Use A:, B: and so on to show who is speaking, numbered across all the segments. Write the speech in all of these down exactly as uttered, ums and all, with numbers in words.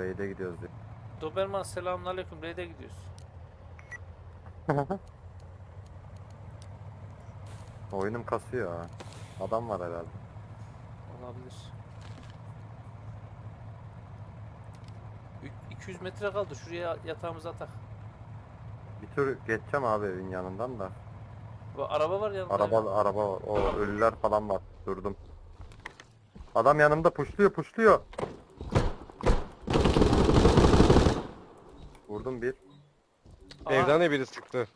A: Raid'e gidiyoruz diyor.
B: Doberman selamünaleyküm. Raid'e gidiyoruz.
A: Oyunum kasıyor ha. Adam var herhalde.
B: Olabilir. Ü- iki yüz metre kaldı. Şuraya yatağımızı atak.
A: Bir tür geçeceğim abi evin yanından da.
B: Bu araba var yanında.
A: Araba
B: ya.
A: araba var. O ölüler falan var. Durdum. Adam yanımda puşluyor puşluyor. Vurdum bir.
B: Aha,
C: Evden de biri sıktı.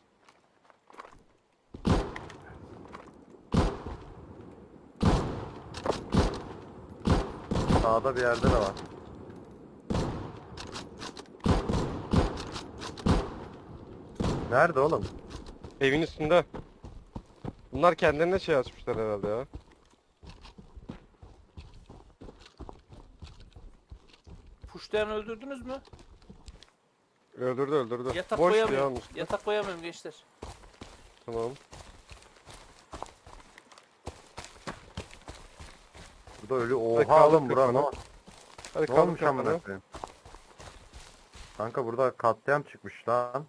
A: Sağda bir yerde de var. Nerede oğlum?
C: Evin üstünde. Bunlar kendilerine şey açmışlar herhalde ya.
B: puşlayanı öldürdünüz mü?
C: Öldürdü öldürdü.
B: Yatak
C: Boş diye
B: koyamıyorum.
C: almış.
B: Yatak koyamıyorum gençler.
C: Tamam.
A: Burada ölü.
C: Hadi
A: Oha
C: kaldır
A: oğlum bura ne?
C: kafanı. Hadi
A: Ne
C: kaldır
A: olmuş amına
C: kafanı.
A: koyayım? Kanka burada katliam çıkmış lan.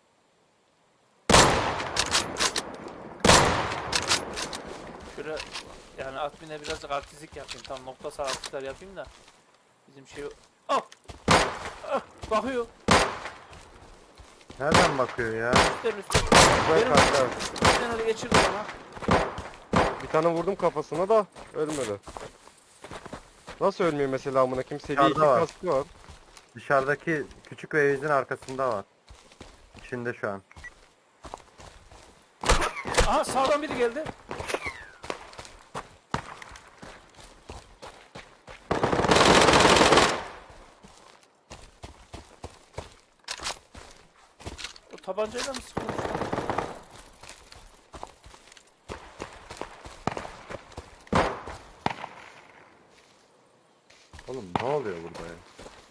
B: Şöyle yani admin'e birazcık artistlik yapayım. Tam nokta sarkıtlar yapayım da. Bizim şey... Ah! Ah! Bakıyor.
A: Nereden bakıyor ya?
B: Üstten üstten.
C: Güzel
B: Benim
C: kanka.
B: üstten öyle geçirdi bana.
C: Bir tane vurdum kafasına da ölmedi. Nasıl ölmüyor mesela amına kim seviye iki
A: Dışarıda var.
C: kaskı var.
A: Dışarıdaki küçük evimizin arkasında var. İçinde şu an.
B: Aha sağdan biri geldi. O tabancayla mı sıkılmış?
A: Oğlum ne oluyor burada ya?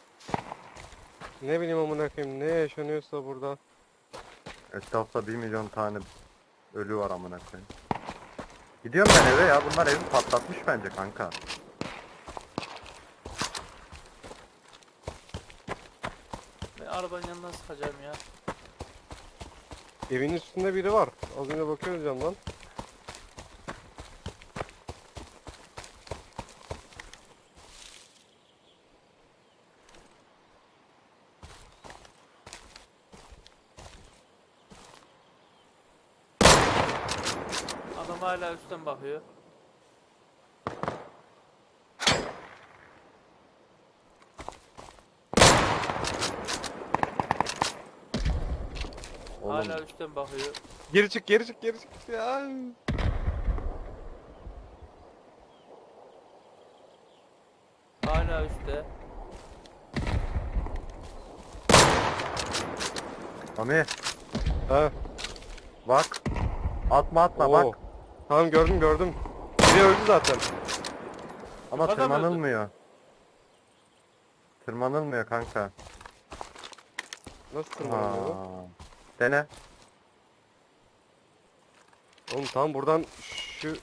C: Ne bileyim amına koyayım ne yaşanıyorsa burada.
A: Etrafta bir milyon tane ölü var amına koyayım. Gidiyorum ben eve ya. Bunlar evi patlatmış bence kanka.
B: Ben arabanın yanından sıkacağım ya.
C: Evin üstünde biri var. Az önce bakıyoruz camdan.
B: Adam hala üstten bakıyor.
A: Oğlum
B: Hala üstten bakıyor.
C: Geri çık geri çık geri çık ya.
B: Hala üstte.
A: Mami
C: Ha.
A: bak. Atma atma
C: Oo.
A: bak.
C: Tamam gördüm gördüm. Biri öldü zaten.
A: Ama
B: Yukarıda mı öldü?
A: tırmanılmıyor. Tırmanılmıyor kanka.
C: Nasıl tırmanıyor? bu?
A: Aa. Dene.
C: Oğlum tam buradan şu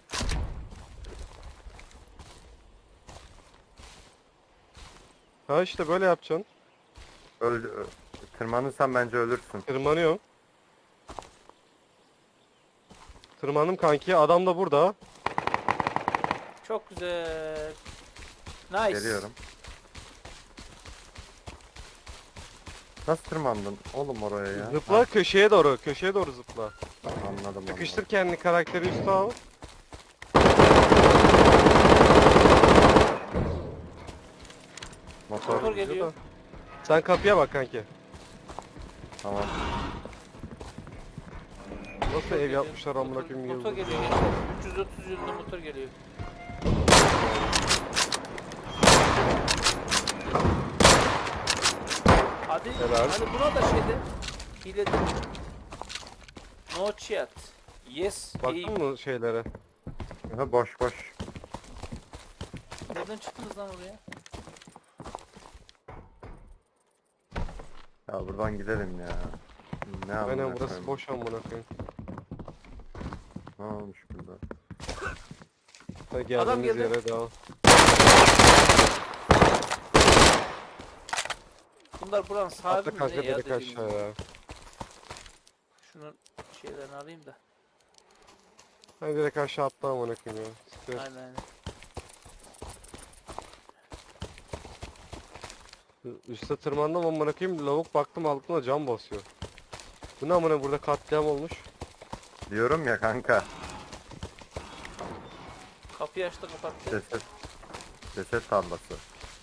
C: Ha işte böyle yapacaksın.
A: Öl, ö- tırmanırsan bence ölürsün.
C: Tırmanıyorum. Tırmandım kanki. Adam da burada.
B: Çok güzel. Nice.
A: Geliyorum. Nasıl tırmandın oğlum oraya ya?
C: Zıpla köşeye doğru. Köşeye doğru zıpla.
A: Ha, anladım
C: Sıkıştır kendini karakteri üstü al.
A: Motor.
B: Motor geliyor.
C: Sen kapıya bak kanki.
A: Tamam.
C: Nasıl
B: Motor
C: ev
B: geliyor.
C: yapmışlar amına
B: Motor-
C: koyayım
B: Motor
C: yıldız.
B: geliyor gençler. üç yüz otuz yılında motor geliyor. Hadi,
C: Helal.
B: hadi buna da şeyde hile de. No chat. Yes. iyi.
C: Baktın mı şeylere?
A: Aha, boş boş.
B: Nereden çıktınız lan oraya?
A: Ya buradan gidelim ya. Ne amına
C: Aynen burası
A: koyayım?
C: boş amına koyayım.
A: Ne olmuş burada?
C: Hadi
B: Adam
C: geldiğimiz
B: geldi.
C: yere devam.
B: onlar buranın sahibi
C: Atla
B: mi
C: kanka
B: ne ya
C: direkt
B: dediğim gibi.
C: aşağıya.
B: Şunun şeylerini alayım da.
C: Ben direkt aşağı atla amına koyayım ya. Stres.
B: Aynen aynen.
C: Üste tırmandım amına koyayım. Lavuk baktım altına cam basıyor. Bu ne amına, burada katliam olmuş.
A: Diyorum ya kanka.
B: Kapıyı açtı kapattı.
A: Ceset. Ceset tarlası.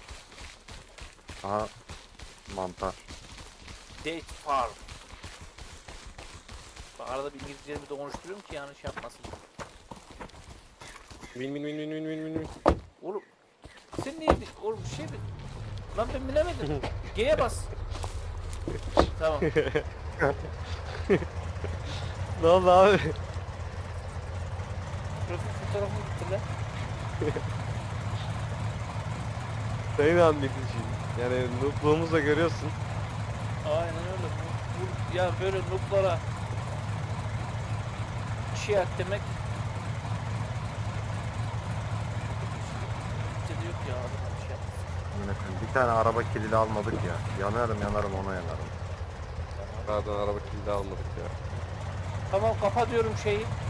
A: Aha. Mantar.
B: Date farm. Bak arada bir İngilizcelerimi de konuşturuyorum ki yanlış yapmasın.
C: Win win win win win win win.
B: Oğlum sen niye bir- oğlum bir şey mi? Lan ben bilemedim. G'ye bas. Tamam.
C: Ne oldu abi?
B: Profil fotoğrafını gitti lan.
C: Senin anlayışın. Yani noobluğumuzu da görüyorsun.
B: Aynen öyle. Bu, bu, ya böyle nooblara şey at demek Türkçe'de yok ya adam bir şey yapmasın.
A: Amına koyayım. Bir tane araba kilidi almadık ya. Yanarım yanarım ona yanarım.
C: Pardon, araba kilidi almadık ya.
B: Tamam kapa diyorum şeyi.